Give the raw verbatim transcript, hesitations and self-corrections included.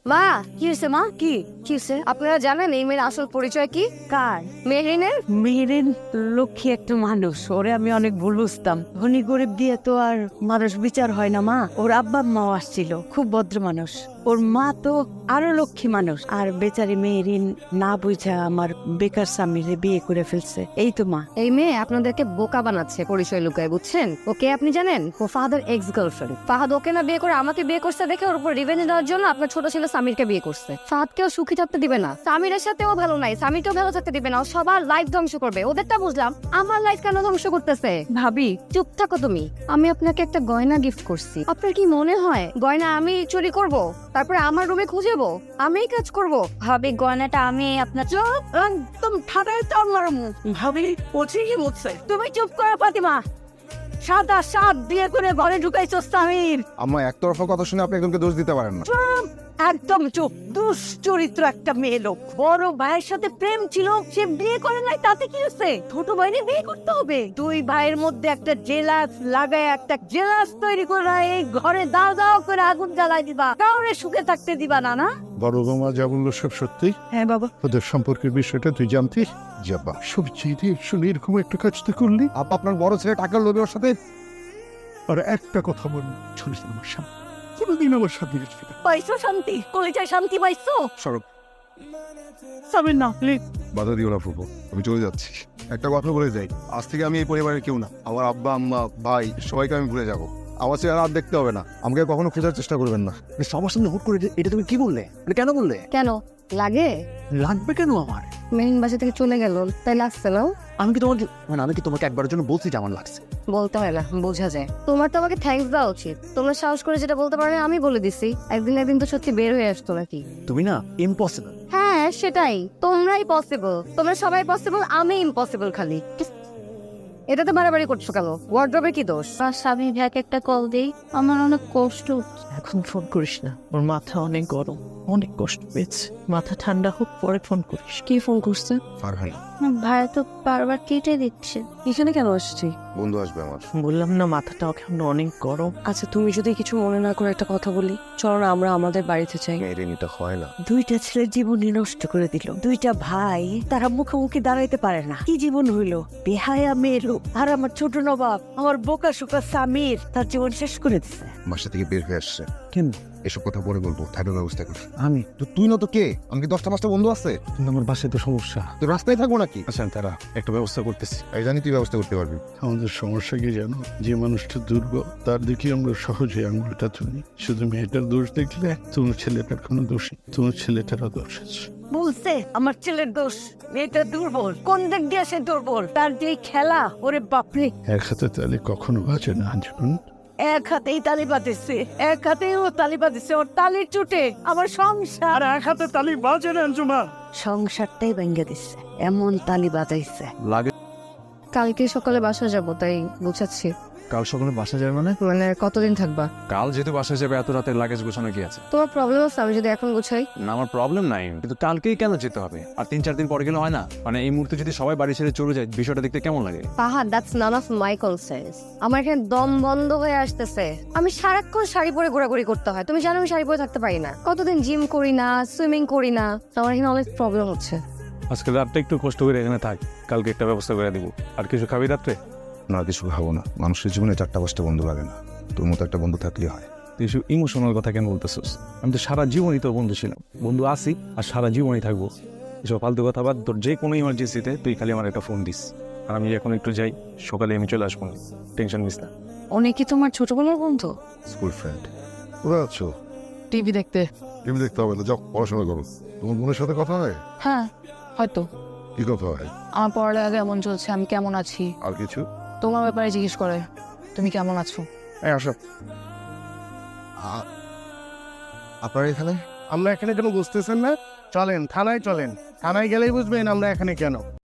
মা কি হয়েছে? মা কি কি হয়েছে? আপনারা জানেন এই মেয়ের আসল পরিচয় কি? কার? মেহরিনের। মেহেরিন লক্ষ্মী একটা মানুষ, ওরে আমি অনেক ভুল বুঝতাম। ধনী গরিব দিয়ে তো আর মানুষ বিচার হয় না মা। ওর আব্বা মাও আসছিল, খুব ভদ্র মানুষ। ওর মা তো আরো লক্ষ্মী মানুষ। আর বেচারি মেহেরিন না বুঝা আমার বেকার স্বামীরে বিয়ে করে ফেলছে। এই তো মা। এই মেয়ে আপনাদেরকে বোকা বানাচ্ছে পরিচয় লুকায়, বুঝছেন? ওকে আপনি জানেন? ও ফাহাদের এক্স গার্লফ্রেন্ড। ফাহাদ ওকে না বিয়ে করে আমাকে বিয়ে করছে দেখে ওর উপর রিভেঞ্জ দেওয়ার জন্য আপনার ছোট ছেলে সামিরকে বিয়ে করছে। ফাহাদকেও সুখী থাকতে দিবে না, সামিরের সাথেও ভালো নাই, সামিরকেও ভালো থাকতে দিবে না। ও সবার লাইফ ধ্বংস করবে। ওদেরটা বুঝলাম, আমার লাইফ কেন ধ্বংস করতেছে? ভাবি, চুপ থাকো তুমি। আমি আপনাকে একটা গয়না গিফট করছি, আপনার কি মনে হয় গয়না আমি চুরি করব, তারপরে আমার রুমে খুঁজেবো, আমিই কাজ করব? ভাবি গয়নাটা আমি আপনার। চুপ, একদম ঠাডায় তো আমার মুখ। ভাবি, ও ঠিকই বলছে। তুমি চুপ করো ফাতিমা। সাদা সাত বিয়ে করে ঘরে ঢুকাইছো সামির। আম্মা একতরফা কথা শুনে আপনি একজনকে দোষ দিতে পারেন না। চুপ, একদম চুপ। দুশ্চরিত্র একটা মেয়ে লোক। বড় ভাইয়ের সাথে প্রেম ছিল, সে বিয়ে করে নাই, তাতে কি হচ্ছে? ছোট ভাইরে বিয়ে করতে হবে? দুই ভাইয়ের মধ্যে একটা জেলাস লাগায়, একটা জেলাস তৈরি করে এই ঘরে দাও দাও করে আগুন জ্বালাই দিবা, কাউরে সুখে থাকতে দিবা না। না বড় বৌমা যা বললো সব সত্যি। হ্যাঁ বাবা। ওদের সম্পর্কের বিষয়টা তুই জানতি? যাবা সব জেনে শুনে এরকম একটা কাজ তো করলি। আপা আপনার বড় ছেলে টাকার লোভে ওর সাথে। আর একটা কথা বল, শুনিস না আমার সামনে কোনোদিন আমার সাথে গেছিল না। পাইছো শান্তি? কলেজায় শান্তি পাইছো? সরব সামির না প্লিজ। বাধা দিও না ফুপু, আমি চলে যাচ্ছি। একটা কথা বলে যাই, আজ থেকে আমি এই পরিবারের কেউ না। আমার আব্বা আম্মা ভাই সবাইকে আমি ভুলে যাবো। আমার চেহারা আর দেখতে হবে না, আমাকে কখনো খোঁজার চেষ্টা করবেন না। সবার সামনে হুট করে এটা- এটা তুমি কি বললে? মানে কেন বললে? কেন লাগে? লাগবে কেন আমার? মেহিন বাসা থেকে চলে গেল, তাই লাগছে না? আমি কি তোমাকে মানে আমি কি তোমাকে একবারের জন্য বলছি যে আমার লাগছে? বলতে হয় না, বোঝা যায়। তোমার তো আমাকে থ্যাঙ্কস দেওয়া উচিত। তোমরা সাহস করে যেটা বলতে পারো আমি বলে দিছি। একদিন একদিন তো সত্যি বের হয়ে আসতো নাকি? তুমি না ইম্পসিবল। হ্যাঁ সেটাই, তোমরাই পসিবল। তোমরা সবাই পসিবল, আমি ইম্পসিবল খালি। এটা তো বাড়াবাড়ি করছো কেন? ওয়ার্ড্রবে কি দোষ? আর স্বামী ভাইকে একটা কল দেই, আমার অনেক কষ্ট হচ্ছে। এখন ফোন করিস না, ওর মাথা অনেক গরম, অনেক কষ্ট পেয়েছে। মাথা ঠান্ডা হোক পরে ফোন করিস। কি ফোন করছে? ফারহান ভাইয়া তো বারবার কেটে দিচ্ছে। এখানে কেন আসছি? বন্ধু আসবে আমার। বললাম না মাথাটা এখন অনেক গরম। আচ্ছা তুমি যদি কিছু মনে না করে একটা কথা বলি, চলো না আমরা আমাদের বাড়িতে চাই। মেয়ের এটা হয় না। দুইটা ছেলে জীবনই নষ্ট করে দিল। দুইটা ভাই, তারা মুখোমুখি দাঁড়াইতে পারে না। কি জীবন হইলো? বেহায়া মেয়ে লোক। আর আমার ছোট নবাব, আমার বোকা শোকা সামির, তার জীবন শেষ করে দিছে। বাসা থেকে বের হয়ে আসছে। কেন? এসব কথা পরে বলবো, থাকার ব্যবস্থা কর। আমি তো তুই না তো কে? আমাকে দশটা পাঁচটা বন্ধু আছে, কিন্তু আমার বাসায় তো সমস্যা। তো রাস্তায় থাকবো নাকি? আচ্ছা তারা একটা ব্যবস্থা করতেছি। এই জানি তুই ব্যবস্থা করতে পারবি। আমাদের সমস্যা কি জানো? যে মানুষটা দুর্বল তার দিকে আমরা সহজে আঙুলটা তুলি। শুধু মেয়েটার দোষ দেখলে তোমার ছেলেটার কোনো দোষ নেই, তোমার ছেলেটারও দোষ আছে। বলছে আমার ছেলের দোষ, মেয়েটা দুর্বল। কোন দিক দিয়ে সে দুর্বল? তার যে খেলা, ওরে বাপরে। এক হাতে তালে কখনো বাজে না আঞ্জুমান। এক হাতেই তালি বাজেছে, এক হাতেই ও তালি বাজেছে। ওর তালির চুটে আমার সংসার। এক হাতে তালি বাজে না আঞ্জুমান। সংসারটাই ভেঙে দিচ্ছে, এমন তালি বাজাইছে। লাগে কালকে সকালে বাসা যাব, তাই বুঝাচ্ছি। কাল সকালে বাসা যাবে মানে? মানে কতদিন থাকবা? কাল যেহেতু বাসায় যাবে, এত রাতের লাগেজ গোছানো কি আছে? তোমার প্রবলেম আছে আমি যদি এখন গুছাই? না আমার প্রবলেম নাই, কিন্তু কালকেই কেন যেতে হবে? আর তিন চার দিন পরে গেলে হয় না? মানে এই মুহূর্তে যদি সবাই বাড়ি ছেড়ে চলে যায়, বিষয়টা দেখতে কেমন লাগে? পাহাড়, that's none of my concerns. আমার এখানে দম বন্ধ হয়ে আসতেছে। আমি সারাক্ষণ শাড়ি পরে ঘোরাঘুরি করতে হয়। তুমি জানো আমি শাড়ি পরে থাকতে পারি না। কতদিন জিম করি না, সুইমিং করি না, তো আমার এখানে অনেক প্রবলেম হচ্ছে। আজকে রাতটা একটু কষ্ট করে এখানে থাক, কালকে একটা ব্যবস্থা করে দিব। আর কিছু খাবি রাত্রে? না কিছু খাবো না, মানুষের জীবনে চারটা পাঁচটা বন্ধু লাগে না, তোর মতো একটা বন্ধু থাকলে হয়। তুই এসব ইমোশনাল কথা কেন বলতেছিস? আমি তো সারা জীবনই তোর বন্ধু ছিলাম, বন্ধু আছি আর সারা জীবনই থাকবো। এসব ফালতু কথা বাদ, তোর যে কোনো ইমার্জেন্সিতে তুই খালি আমার একটা ফোন দিস। আর আমি এখন একটু যাই, সকালে আমি চলে আসবো, টেনশন নিস না। অনেক কি তোমার ছোটবেলার বন্ধু? School friend. কোথায় আছো? টিভি দেখতে। টিভি দেখতে হবে না, যাও পড়াশোনা করো। তোমার বোনের সাথে কথা হয়? হ্যাঁ হয়তো। কি কথা হয়? আমার পড়ালেখা কেমন চলছে, আমি কেমন আছি, আর কিছু? তোমার ব্যাপারে জিজ্ঞেস করে তুমি কেমন আছো। এই আসো। আপনার এখানে? আমরা এখানে কেন বুঝতেছেন না? চলেন থানায়, চলেন থানায় গেলেই বুঝবেন আমরা এখানে কেন।